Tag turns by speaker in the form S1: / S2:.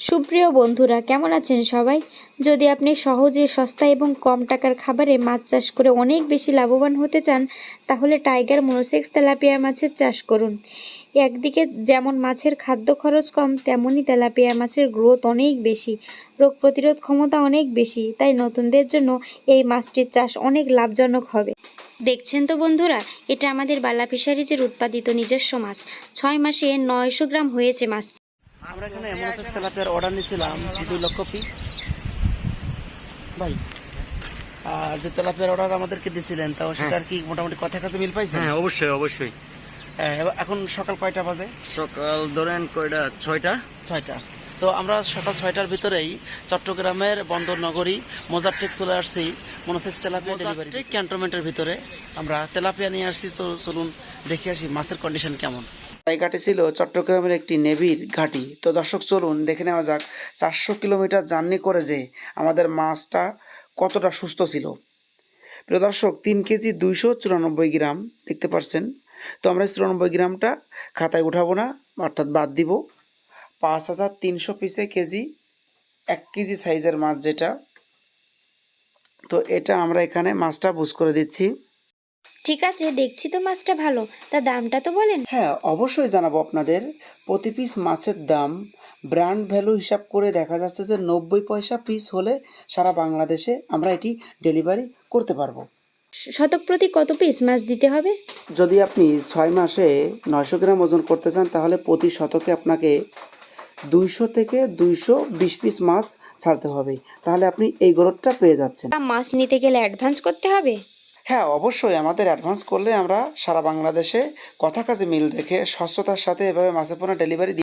S1: সুপ্রিয় বন্ধুরা, কেমন আছেন সবাই? যদি আপনি সহজে, সস্তা এবং কম টাকার খাবারে মাছ চাষ করে অনেক বেশি লাভবান হতে চান, তাহলে টাইগার মনোসেক্স তেলাপিয়া মাছের চাষ করুন। একদিকে যেমন মাছের খাদ্য খরচ কম, তেমনই তেলাপিয়া মাছের গ্রোথ অনেক বেশি, রোগ প্রতিরোধ ক্ষমতা অনেক বেশি। তাই নতুনদের জন্য এই মাছটির চাষ অনেক লাভজনক হবে। দেখছেন তো বন্ধুরা, এটা আমাদের বালা ফিশারিজের উৎপাদিত নিজস্ব মাছ। 6 মাসে 900 গ্রাম হয়েছে মাছ।
S2: আমরা এখানে মনোসেক্স তেলাপিয়ার অর্ডার নিয়েছিলাম 2 লক্ষ পিস। ভাই যে তেলাপিয়ার অর্ডার আমাদেরকে দিয়েছিলেন, তাও সেটার কি মোটামুটি কথা কাছে মিল পাইছেন?
S3: হ্যাঁ, অবশ্যই অবশ্যই।
S2: এখন সকাল কয়টা বাজে?
S3: সকাল ধরেন কয়টা? 6টা।
S2: তো আমরা সকাল 6টার ভিতরেই চট্টগ্রামের বন্দর নগরী মোজারটেক চলে আসছি মনোসেক্স তেলাপিয়া ডেলিভারি ক্যান্টনমেন্টের ভিতরে। আমরা তেলাপিয়া নিয়ে আসছি, তো চলুন দেখে আসি মাছের কন্ডিশন কেমন। এই ঘাটি ছিল চট্টগ্রামের একটি নেভির ঘাটি। তো দর্শক চলুন দেখে নেওয়া যাক 400 কিলোমিটার জার্নি করে যে আমাদের মাছটা কতটা সুস্থ ছিল। প্রিয় দর্শক, 3 কেজি 294 গ্রাম দেখতে পাচ্ছেন। তো আমরা 94 গ্রামটা খাতায় উঠাবো না, অর্থাৎ বাদ দিব। 5300 পিসে কেজি 1 কেজি সাইজের মাছ যেটা, তো এটা আমরা এখানে মাছটা বুঝ করে দিচ্ছি।
S1: ঠিক আছে, দেখছি তো মাছটা ভালো, তা দামটা তো বলেন।
S2: হ্যাঁ, অবশ্যই জানাবো আপনাদের। প্রতি পিস মাছের দাম ব্র্যান্ড ভ্যালু হিসাব করে দেখা যাচ্ছে যে 90 পয়সা পিস হলে সারা বাংলাদেশে আমরা এটি ডেলিভারি করতে পারবো।
S1: শতক প্রতি কত পিস মাছ দিতে হবে?
S2: যদি আপনি 6 মাসে 900 গ্রাম ওজন করতে চান, তাহলে প্রতি শতকে আপনাকে 200 থেকে 220 পিস মাছ ছাড়তে হবে। তাহলে আপনি এই গ্রোথটা পেয়ে যাচ্ছেন।
S1: মাছ নিতে গেলে অ্যাডভান্স করতে হবে?
S2: হ্যাঁ, অবশ্যই। আমাদের অ্যাডভান্স করলে আমরা সারা বাংলাদেশে কথা কাজে মিল রেখে স্বচ্ছতার সাথে এভাবে মাছের পণ্য ডেলিভারি